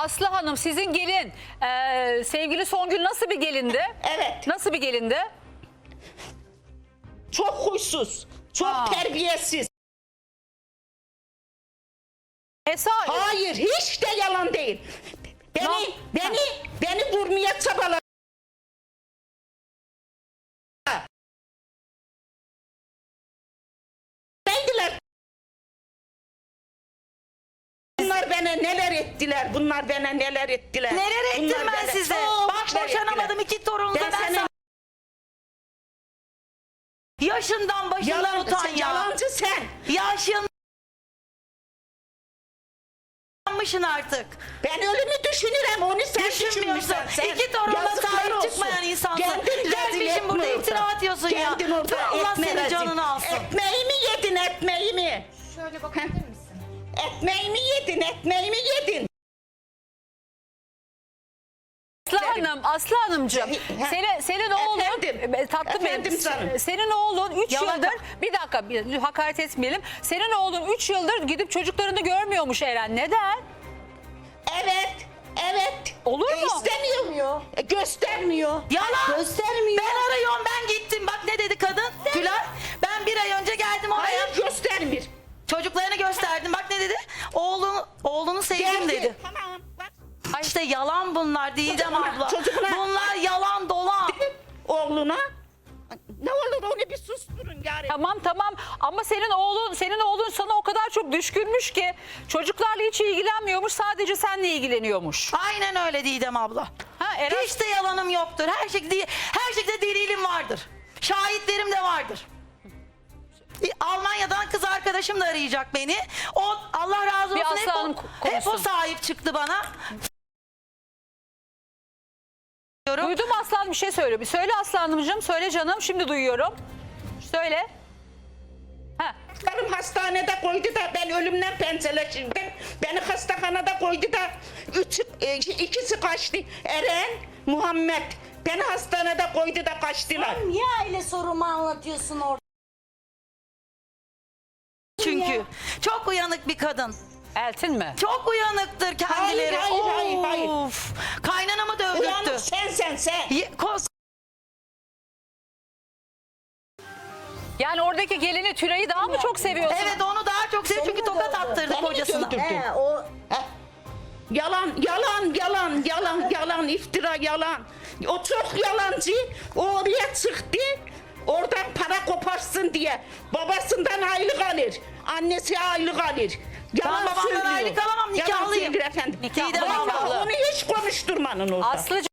Aslı Hanım sizin gelin sevgili Songül nasıl bir gelindi? Evet. Nasıl bir gelindi? Çok huysuz, çok terbiyesiz. Hayır, hiç de yalan değil. Beni vurmaya çabaladı. Bunlar bana neler ettiler, bunlar bana neler ettiler. Neler ettim Bunlar ben bana size? çok Bak şeyler boşanamadım, ettiler. 2 torunum da Ben ben senin- sana... Yaşından başından Yalan, utan ya. yalancı sen. Yaşın... Yanmışsın artık. Ben ölümü düşünürüm, onu sen Düşünmüyorsun. düşünmüşsün. Sen 2 torununa yazıklar sahip olsun. çıkmayan insansın. Kendin rezil Gelmişsin etme burada orada. iftira atıyorsun ya. Kendin orada Dur Allah etme senin rezil. canını alsın. Ekmeğimi yedin, ekmeğimi. Şöyle bakabilir misin? Ekmeğimi yedin, ekmeğimi yedin. Aslı Hanımcığım, senin oğlun Efendim? tatlım benim, Efendim canım. senin oğlun 3 Yalan- yıldır bir dakika hakaret etmeyelim. Senin oğlun 3 yıldır gidip çocuklarını görmüyormuş Eren. Neden? Evet. Olur mu? İstemiyor. Göstermiyor. Yalan. Göstermiyor. Ben arıyorum, ben gittim. Bak ne dedi kadın? Tülay. Ben 1 ay önce geldim oraya. Hayır, göstermiyor. Çocuklarını gösterdim. Bak ne dedi? Oğlunu sevdim dedi. Tamam. Bak. Ay işte yalan bunlar Didem Çocuğuna- abla. çocuğuna- Bunlar yalan dolan. Oğluna. Ne olur onu bir susturun yani. Tamam ama senin oğlun sana o kadar çok düşkünmüş ki çocuklarla hiç ilgilenmiyormuş, sadece seninle ilgileniyormuş. Aynen öyle Didem abla. Ha, Eren... Hiç de yalanım yoktur. Her şekilde delilim vardır. Şahitlerim de vardır. Almanya'dan kız arkadaşım da arayacak beni. O Allah razı Bir olsun Aslı Hanım hep o konuşsun. sahip çıktı bana. Duydum Aslan bir şey söylüyor. Bir söyle Aslanımcığım, söyle canım, şimdi duyuyorum. Söyle. Ha. Karım hastanede koydu da ben ölümden pençeleşirdim. Beni hastahanede koydu da ikisi kaçtı. Eren, Muhammed. Beni hastanede koydu da kaçtılar. Niye aile sorumu anlatıyorsun orada? Çünkü çok uyanık bir kadın. Eltin mi? Çok uyanıktır kendileri. Hayır. Of. Kaynanamı Uyanık dövdürttü. sen. Yani oradaki gelini Tülay'ı daha mı çok seviyorsun? Evet, onu daha çok seviyor çünkü Seni mi tokat dövdü? attırdı Beni mi kocasına. dövdürdü? O Yalan, iftira, yalan. O çok yalancı. O oraya çıktı. Oradan para koparsın diye. Babasından aylık alır. Annesi aylık alır. Yalan babamdan söylüyor. aylık alamam, Yalan nikahlıyım. söylüyor efendim. Nikahlı. Vallahi onu hiç konuşturmanın orada. Aslıcığım.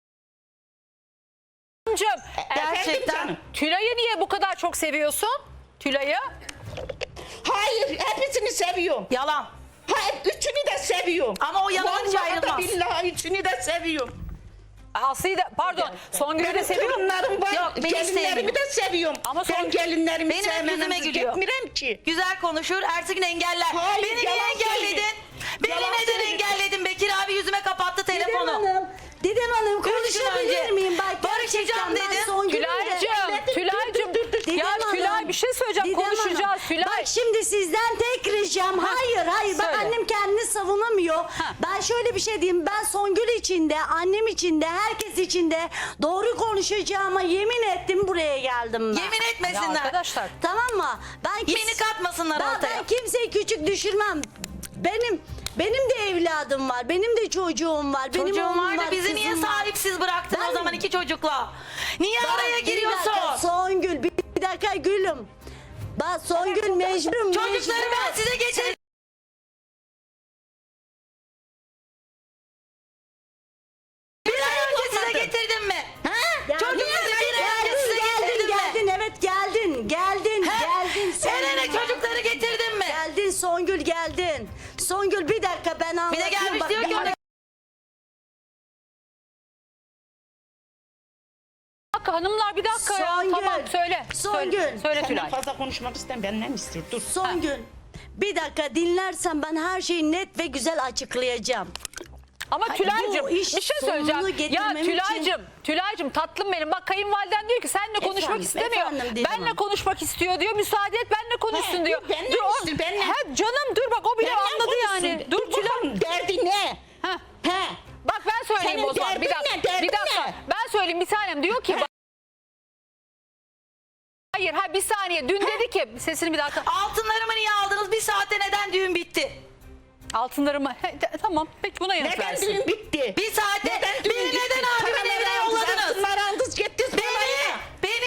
Gerçekten. canım. Tülay'ı niye bu kadar çok seviyorsun? Tülay'ı? Hayır, hepsini seviyorum. Yalan. Hayır, üçünü de seviyorum. Ama o yalancı Vallahi da ayrılmaz. billahi üçünü de seviyorum. Aslı'yı da pardon Songül'ü de Benim seviyorum. torunlarım var, Yok, beni gelinlerimi sevmiyor. de seviyorum. Ama Ben gelinlerimi Benim hep sevmeden yüzüme gülüyor. gitmirem ki. Güzel konuşur, ertesi gün engeller. Hayır, Beni niye yalan engelledin? söylüyor. Beni Yalan neden söylüyor. engelledin? Bekir abi yüzüme kapattı Didem telefonu. Hanım, Didem Hanım konuşabilir önce miyim? Bak barışacağım gerçekten ben dedin. Songül'ün de- Tülay'cığım. Didem Ya Hanım, Tülay bir şey söyleyeceğim. Didem Konuşacağız Hanım, Tülay. Bak şimdi sizden tek ricam hayır bak söyle. annem kendini savunamıyor. Ha. Ben şöyle bir şey diyeyim, ben Songül için de annem için de herkes için de doğru konuşacağıma yemin ettim, buraya geldim ben. Yemin Ya etmesinler. arkadaşlar. Tamam mı? Beni katmasınlar ortaya. Ben kimseyi küçük düşürmem. Benim de evladım var. Benim de çocuğum var. Benim Çocuğun oğlum var da bizi kızım niye var. sahipsiz bıraktın Ben- o zaman 2 çocukla? Niye araya Bir dakika, giriyorsun? Songül bir dakika gülüm. Bak Songül mecburum. Çocukları ben size getirdim. Bir ay önce size getirdim mi? Çocukları bir ay önce size getirdim mi? Geldin evet geldin. Geldin. Eren'e çocukları getirdim mi? Geldin Songül geldin. Songül bir dakika ben Bir de anlatayım. gelmiş bak, diyor ki bir- ona Hanımlar bir dakika ya. Songül. Tamam söyle. Songül. Söyle Senden Tülay. fazla konuşmak istem benden istiyor. Dur. Songül. Bir dakika dinlersen ben her şeyi net ve güzel açıklayacağım. Ama Hayır, Tülay'cığım bu bir iş şey sonunu söyleyeceğim. Ya getirmem Tülay'cığım tatlım benim. Bak kayınvaliden diyor ki seninle konuşmak Efendim, istemiyor. efendim Didem Benle Hanım. konuşmak istiyor diyor. Müsaade et benle konuşsun He, diyor. benle Dur, istiyor, benle. He, canım dur bak o bile Benden anladı konuşsun. yani. Dur Tülay. bakalım derdi ne? Ha. He? bir tanem diyor ki hayır bir saniye dün dedi ki sesini bir dakika Altınlarımı niye aldınız? Bir saatte neden düğün bitti? altınlarımı tamam peki buna yanıt Neden versin. düğün bitti? Bir saatte Neden düğün beni bitti? neden abimin Paraları evine aldınız, yolladınız? altınları aldınız, gittiniz balayına. Beni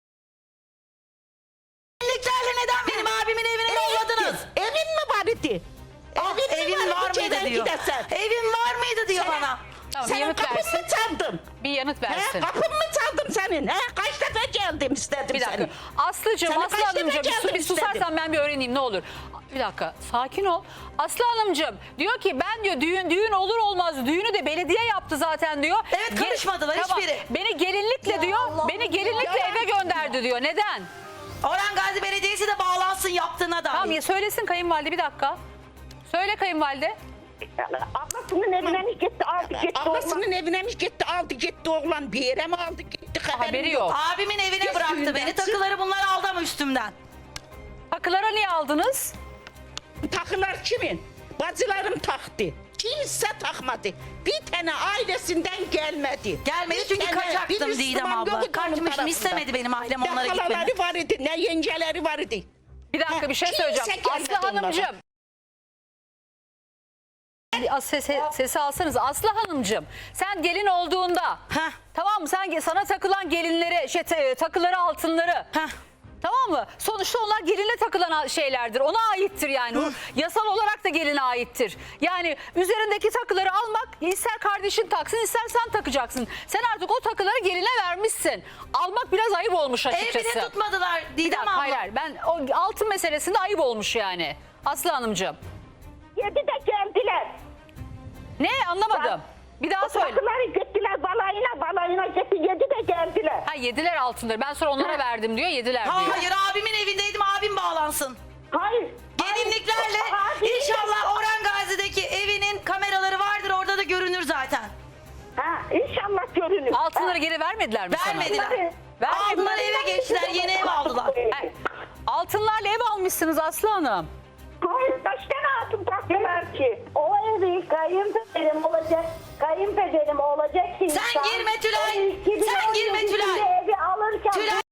gelinliklerle neden benim abimin evine yolladınız? Evin mi var idi? Evin var mıydı diyor. Evin var mıydı diyor bana. Tamam, bir Senin yanıt kapın versin. mı çaldım? Bir yanıt He, versin. kapın mı çaldım senin? He, kaç defa geldim istedim Bir dakika. seni. Aslıcığım, Sana Aslı kaç defa Hanımcığım geldim bir susarsan istedim. ben bir öğreneyim ne olur. Bir dakika sakin ol. Aslı Hanımcığım diyor ki ben diyor düğün olur olmaz düğünü de belediye yaptı zaten diyor. Evet, karışmadılar hiçbiri. Beni gelinlikle Ya diyor Allah beni gelinlikle Allah. eve gönderdi diyor. Neden? Orhan Gazi Belediyesi de bağlansın yaptığına dair. Tamam ya söylesin kayınvalide bir dakika. Söyle kayınvalide. Ablasının evine mi gitti aldı gitti Ablasının evine mi gitti aldı gitti oğlan bir yere mi aldı gitti Haberi yok. Abimin evine Geç bıraktı düğünden beni. çık. Takıları bunlar aldı ama üstümden. Takılara niye aldınız? Takılar kimin? Bacılarım taktı. Kimse takmadı. Bir tane ailesinden gelmedi. Gelmedi Bir çünkü tane, bir kaçaktım Müslüman Didem abla. yoktu onun Kaçmışım, tarafında. istemedi benim ailem onlara Ne gitmemi. halaları var idi ne yengeleri var idi. Bir dakika bir şey Kimse söyleyeceğim. gelmedi Aslı onlara. Hanımcığım. Sesi alsanız Aslı Hanımcığım sen gelin olduğunda Heh. tamam mı sana takılan gelinleri takıları altınları Heh. tamam mı? Sonuçta onlar gelinle takılan şeylerdir. Ona aittir yani. O yasal olarak da geline aittir. Yani üzerindeki takıları almak ister kardeşin taksın ister sen takacaksın. Sen artık o takıları geline vermişsin. Almak biraz ayıp olmuş Ev açıkçası. bile tutmadılar Bir Didem dakika, abla. hayır ben o altın meselesinde ayıp olmuş yani. Aslı Hanımcığım. Yedi de geldiler. Ne anlamadım. Bir daha söyle. Takıları gittiler balayına gitti yedi de geldiler. Ha yediler altınları. Ben sonra onlara verdim diyor. Yediler diyor. Hayır abimin evindeydim, abim bağlansın. Hayır. Gelinliklerle inşallah Orhan Gazi'deki evinin kameraları vardır, orada da görünür zaten. Ha, inşallah görünür. Altınları geri vermediler mi sana? Vermediler. Vermediler. Aldılar, eve geçtiler, yeni ev aldılar. Ha, altınlarla ev almışsınız Aslı Hanım. Hayır kaç tane altın taktılar ki? O evi kayınpederim olacak insan. Sen girme Tülay. o 2017 Sen girme Tülay. yılında Evi alırken Tülay.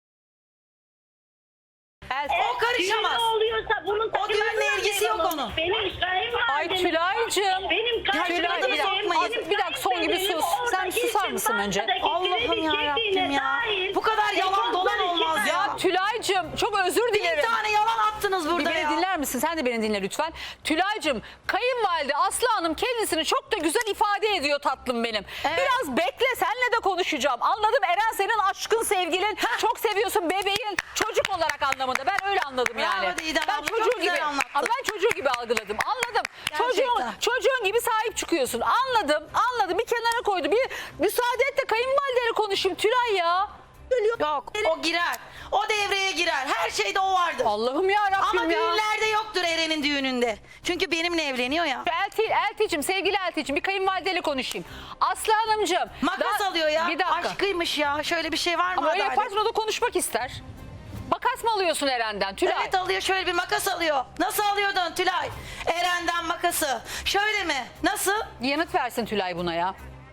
O karışamaz. Düğün oluyorsa bunun O düğünle ilgisi yok onun. Benim kayınvalidem. Ay Tülay'cığım. Benim Tülay bir dakika. Bir dakika son gibi sus. Sen susar mısın önce? Allah'ım yarabbim ya. Bu kadar yalan dolan olmaz ya. Ya Tülay'cığım çok özür Bir dilerim. tane yalan attınız Bir burada beni ya. dinler misin? Sen de beni dinle lütfen. Tülay'cığım kayınvalide Aslı Hanım kendisini çok da güzel ifade ediyor tatlım benim. Evet. Biraz bekle senle de konuşacağım. Anladım Eren senin aşkın sevgilin. Çok seviyorsun bebeğin çocuk olarak anlamında. Ben öyle anladım Bravo yani. Didem Ben abla, çok çocuğu güzel gibi anlattın. Ama ben çocuğu gibi algıladım. Anladım. Gerçekten. Çocuğun gibi sahip çıkıyorsun. Anladım. Bir kenara koydu. Bir müsaade et de kayınvalideyle konuşayım Tülay ya. Yok, o girer. O devreye girer. Her şeyde o vardır. Allah'ım ya Rabbim Ama ya. düğünlerde yoktur Eren'in düğününde. Çünkü benimle evleniyor ya. Elti'cim sevgili Elti'cim bir kayınvalideyle konuşayım. Aslı Hanımcığım. Makas alıyor ya. Bir dakika. Aşkıymış ya. Şöyle bir şey var mı? Ama öyle adalet? yaparsın o da konuşmak ister. Makas mı alıyorsun Eren'den Tülay? Evet alıyor, şöyle bir makas alıyor. Nasıl alıyordun Tülay? Eren'den makası. Şöyle mi? Nasıl? Bir yanıt versin Tülay buna ya.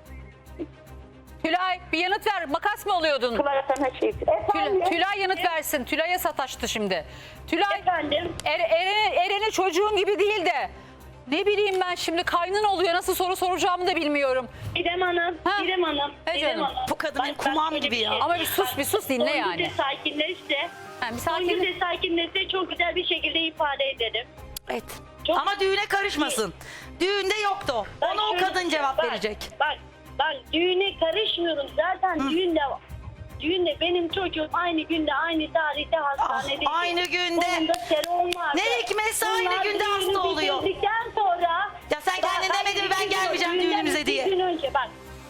Tülay bir yanıt ver. Makas mı alıyordun? Tülay yanıt versin. Tülay'a sataştı şimdi. Tülay Efendim? Eren'i çocuğun gibi değil de ne bileyim ben şimdi kaynın oluyor. Nasıl soru soracağımı da bilmiyorum. İrem Hanım, Ha? İrem Hanım. He İrem canım. Hanım. Bu kadın benim Bak, kumağım şöyle gibi ya. şey Ama söyleyeyim. bir sus dinle Songül yani. de sakinleşse, Ha, bir sakin. Songül de sakinleşse çok güzel bir şekilde ifade ederim. Evet. Çok- Ama düğüne karışmasın. Düğünde yoktu o. Bak Ona o şöyle kadın bir cevap şey, verecek. Bak düğüne karışmıyorum. Zaten düğünde benim çocuğum aynı günde aynı tarihte hastanede. aynı günde. Onun da serum vardı. Ne hikmetse aynı Bunlar günde düğünü hasta oluyor. bitirdikten sonra. Ya sen kendin demedin mi ben gelmeyeceğim Düğünden düğünümüze diye. bir gün önce bak.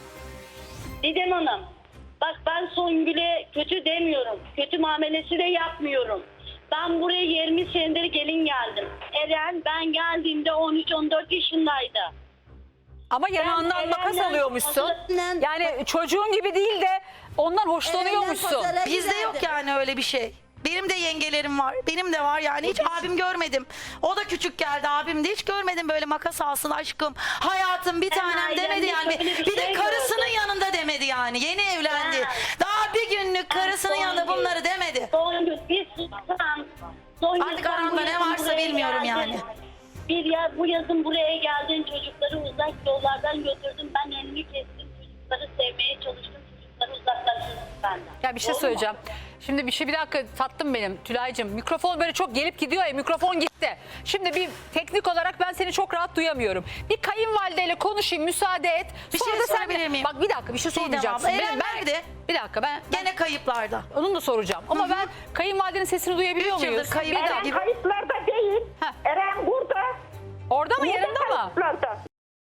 Didem Hanım. Bak ben Songül'e kötü demiyorum. Kötü muamelesi de yapmıyorum. Ben buraya 20 senedir gelin geldim. Eren ben geldiğimde 13-14 yaşındaydı. Ama yanağından Ben makas Eren'den alıyormuşsun. Eren'den- Yani çocuğun gibi değil de ondan hoşlanıyormuşsun. Eren'den pazara Bizde yok giderdim. yani öyle bir şey. Benim de yengelerim var. Benim de var yani. Hiç abim görmedim. O da küçük geldi. Abim de hiç görmedim böyle makas alsın aşkım. Hayatım bir tanem ailemde demedi yani. şöyle bir Bir de şey karısının gördüm. yanında demedi yani. yani. Yeni evlendi. Ha. Daha bir günlük karısının yanında bunları demedi. Songül bir sussan. Songül, Artık sen aramda bu ne yazın varsa buraya bilmiyorum geldin. yani. Bu yazın buraya geldin, çocukları uzak yollardan götürdüm. Ben elini kestim, çocukları sevmeye çalıştım. Çocukları uzaklaştırdım benden. Ya bir şey Doğru mu? söyleyeceğim. Şimdi bir dakika tatlım benim Tülay'cığım. Mikrofon böyle çok gelip gidiyor ya, mikrofon gitti. Şimdi bir teknik olarak ben seni çok rahat duyamıyorum. Bir kayınvalideyle konuşayım, müsaade et. Bir Sonra şey da sen sorabilir miyim? Bak bir dakika, bir şey Didem sormayacaksın. abla, Eren nerede? Bir dakika ben Gene kayıplarda. onun da soracağım. Ama ben kayınvalidenin sesini duyabiliyor 3 yıldır muyuz? kayıp. Bir dakika. Eren kayıtlarda değil. Heh. Eren burada. Orada mı, Burada yanında mı? kayıtlarda.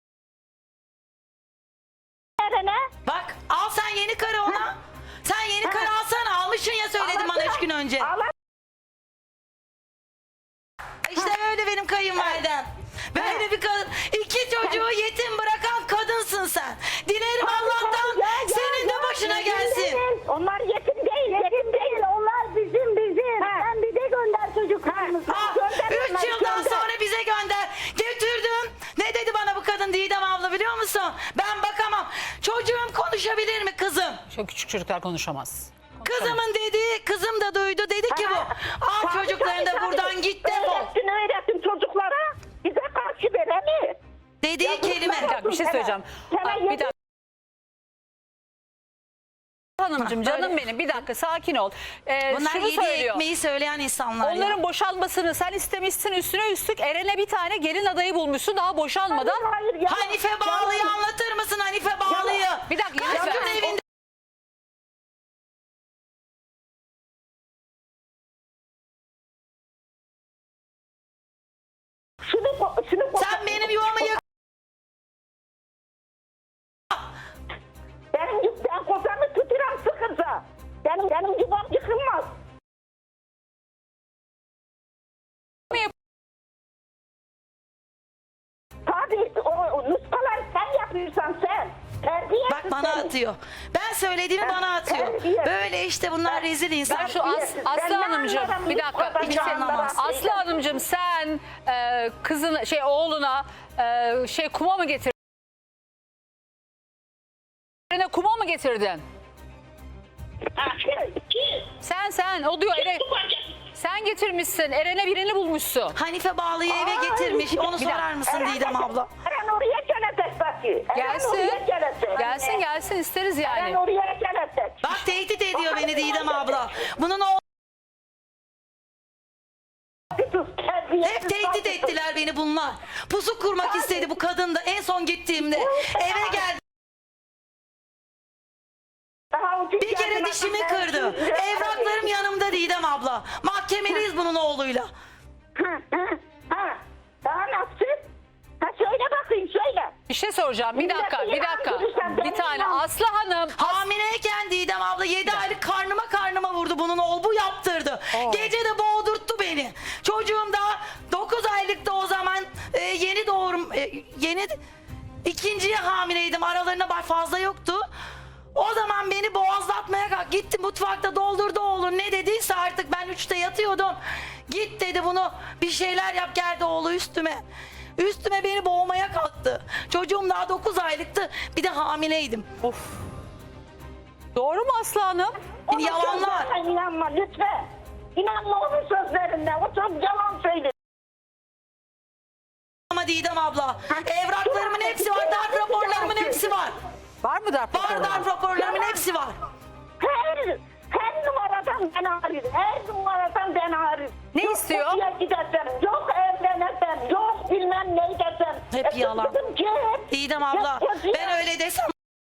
Eren'e Bak al sen yeni karı ona. Sen yeni karı alsana. Almışsın ya söyledim bana 3 gün önce. Allah İşte öyle benim kayınvalidem. Böyle bir kadın. 2 çocuğu yetim bırakan kadınsın sen. Dilerim Allah'tan senin de başına gelsin. onlar yetim değil, yetim değil. Onlar bizim. Sen bir de gönder çocuklarımızı. 3 yıldan sonra bize gönder. Getirdim. Ne dedi bana bu kadın Didem abla biliyor musun? Ben bakamam. Çocuğum konuşabilir mi kızım? Şu küçük çocuklar konuşamaz. Kızımın dediği, kızım da duydu. Dedi ki bu. Al çocuklarını da buradan git defol. Öğrettin çocuklara. Bize karşı veremi. Dediği kelime. Bir dakika, bir şey söyleyeceğim. Bak, bir dakika. Hanımcığım canım benim, bir dakika sakin ol. Bunlar Şunu yedi söylüyor. ekmeği söyleyen insanlar Onların ya. boşanmasını sen istemişsin, üstüne üstlük Eren'e bir tane gelin adayı bulmuşsun daha boşanmadan. Hayır ya. Hanife Bağlı'yı anlatır mısın Hanife Bağlı'yı? Bir dakika, Kaç lütfen. gün evinde Şunu sen benim yuvamı yık. Ben kocamı tuturam sıkınca. Benim yuvam yıkılmaz. Tabii o nuskalar sen yapıyorsan sen. Terbiyesiz Bak bana sen. atıyor. Ben söylediğimi bana atıyor. terbiye. Böyle işte bunlar rezil Ben insan. şu Aslı Ben ne Hanımcığım anlarım bir bu dakika. kadar iki- anlamaz. Aslı Hanımcığım sen kızın oğluna kuma mı getirdin? Eren'e kuma mı getirdin? Sen o diyor sen getirmişsin. Eren'e birini bulmuşsun. Hanife Bağlı'yı eve getirmiş. Onu sorar mısın Didem abla? Eren oraya gelecek Baki. Gelsin isteriz Eren yani. oraya gelecek. Bak tehdit ediyor beni Didem abla. Bunun o hep tehdit ettiler beni bunlar. Pusu kurmak istedi bu kadın da en son gittiğimde. Eve geldi. Bir kere dişimi kırdı. Evraklarım yanımda Didem abla. Mahkemeliyiz bunun oğluyla. Daha nasıl? Ha söyle bakayım söyle. Bir şey soracağım. Bir dakika. Bir tane Aslı Hanım. Hamileyken Didem abla 7 aylık karnıma vurdu bunun oğlu. Bu yaptırdı. Gece de boğdurttu beni. Çocuğum da 9 aylıkta o zaman yeni doğurum. İkinciye hamileydim. Aralarında fazla yoktu. O zaman beni boğazlatmaya kalk. Gitti mutfakta doldurdu oğlum. Ne dediyse artık ben 3'te yatıyordum. Git dedi bunu bir şeyler yap geldi oğlu üstüme. Üstüme beni boğmaya kalktı. Çocuğum daha 9 aylıktı. Bir de hamileydim. Of. Doğru mu Aslı Hanım? Yalanlar. Lütfen inanma lütfen. İnanma onun sözlerine. O çok yalan söylüyor. Ama Didem abla. Evraklarımın hepsi var. Darp raporlarımın hepsi var. Var mı darp Var raporu? darp raporlarımın hepsi var. Her numaradan ben arıyorum. Her numaradan ben arıyorum. Ne Yok istiyor? Yok gideceğim. Yok evleneceğim. Yok bilmem ne edeceğim. Hep yalan. Dedim ki, Didem abla ben öyle desem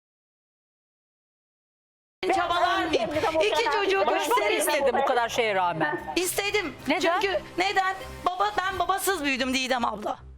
çabalar mıyım? 2 çocuğu Konuşmak gösterir istedim miyim? bu kadar şeye rağmen. İstedim. Neden? Çünkü neden? Ben babasız büyüdüm Didem abla.